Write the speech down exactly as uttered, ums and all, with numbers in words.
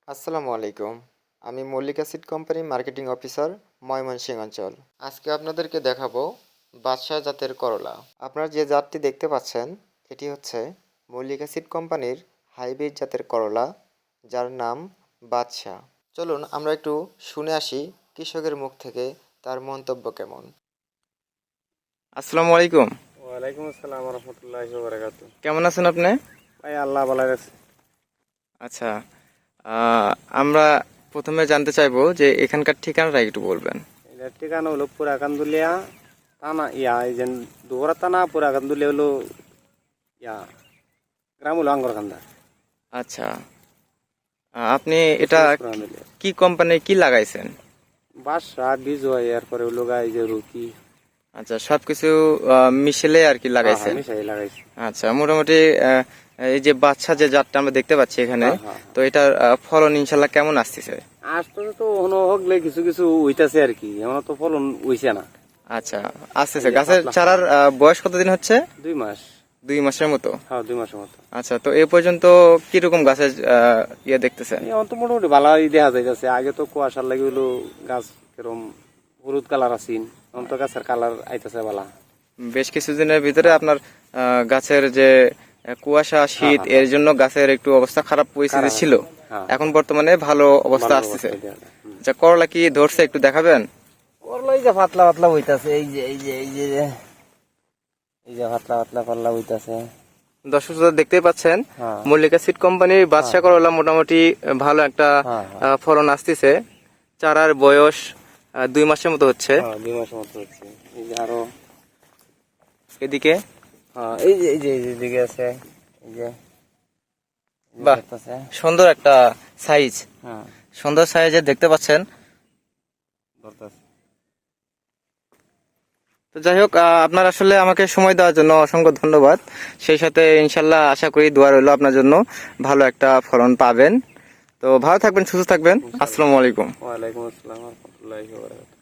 আসসালামু আলাইকুম। আমি Mallika seed company marketing officer, Mymensingh অঞ্চল। আজকে আপনাদেরকে দেখাবো বাদশাহ জাতের করলা। আপনারা যে জাতটি দেখতে পাচ্ছেন এটি হচ্ছে মল্লিকা সিড কোম্পানির হাইব্রিড জাতের করলা, যার নাম বাদশাহ। চলুন আমরা একটু শুনে আসি কৃষকের মুখ থেকে তার মন্তব্য কেমন। আসসালামু আলাইকুম। ওয়ালাইকুম আসসালাম রহমতুল্লাহি ওয়া বারাকাতুহু। কেমন আছেন আপনি? ভাই আল্লাহ ভালো রাখছে। আচ্ছা, আহ, আমরা প্রথমে জানতে চাইবো যে এখানকার ঠিকানাটা একটু বলবেন। এটার ঠিকানা হলো পুরা কান্দুলিয়া থানা, ইয়া এই যে দুবরা থানা, পুরা কান্দুলিয়া হলো ইয়া গ্রাম হলো আঙ্গরকান্দা। আচ্ছা, আহ, আপনি এটা কি কোম্পানি কি লাগাইছেন? বাসা বীজ হয়, এরপরে হলো গা এই যে রুটি। আচ্ছা, সবকিছু আহ, মিশেলে আর কি লাগাইছেন? মিশাই লাগাইছি। আচ্ছা, মোটামুটি আহ, এই যে বাচ্চা যে জাতটা আমরা দেখতে পাচ্ছি এখানে, হ্যাঁ, হ্যাঁ। তো এটার আহ, ফলন ইনশাল্লাহ কেমন আসতেছে? আসতে তো হনো হগলে কিছু কিছু উইতাছে আর কি, এমন তো ফলন উইছে না। আচ্ছা, আসতেছে। গাছের চারার আহ, বয়স কতদিন হচ্ছে? দুই মাস। দুই মাসের মতো? হ্যাঁ, দুই মাসের মতো। আচ্ছা, তো এ পর্যন্ত কিরকম গাছের আহ, ইয়ে দেখতেছেন? এখন তো মোটামুটি ভালোই দেখা যাইতেছে। আগে তো কুয়াশার লাগে হলো গাছ কিরম হলুদ কালার আসিন, এখন তো গাছের কালার আইতেছে ভালা। বেশ কিছুদিনের ভিতরে আপনার আহ, গাছের যে আহ, কুয়াশা শীত হ্যাঁ, এর জন্য গাছের একটু অবস্থা খারাপ পরিস্থিতি ছিল, হ্যাঁ। এখন বর্তমানে ভালো অবস্থা ভালো আসতেছে। অবস্থায় দেখা যায়। হুম। আচ্ছা, করলা কি ধরছে একটু দেখাবেন? করলা এই যে পাতলা পাতলা হইতাছে, এই যে এই যে এই যে এই যে পাতলা পাতলা পাতলা হইতাছে। দর্শক শ্রোতা দেখতেই পাচ্ছেন, হ্যাঁ। মল্লিকা সিড কোম্পানির বাদশা করলা মোটামুটি ভালো একটা হ্যাঁ, আহ, ফলন আসতেছে। চারার বয়স আহ, দুই মাসের মতো হচ্ছে। হ্যাঁ, দুই মাসের মতো হচ্ছে। এই যে আরো এদিকে হ্যাঁ, এই যে এই যে এই যে দিকে আছে, এই যে এই যে বাহ, দেখতাছে। সুন্দর একটা সাইজ, হ্যাঁ, সুন্দর সাইজের দেখতে পাচ্ছেন। ধরতাছে। তো যাই হোক, আহ, আপনার আসলে আমাকে সময় দেওয়ার জন্য অসংখ্য ধন্যবাদ। সেই সাথে ইনশাল্লাহ আশা করি দোয়া রইল আপনার জন্য ভালো একটা ফলন পাবেন। তো ভালো থাকবেন, সুস্থ থাকবেন। আসসালামু আলাইকুম। ওয়ালাইকুম আসসালাম ওয়া রাহমাতুল্লাহি ওয়া বারাকাতুহু।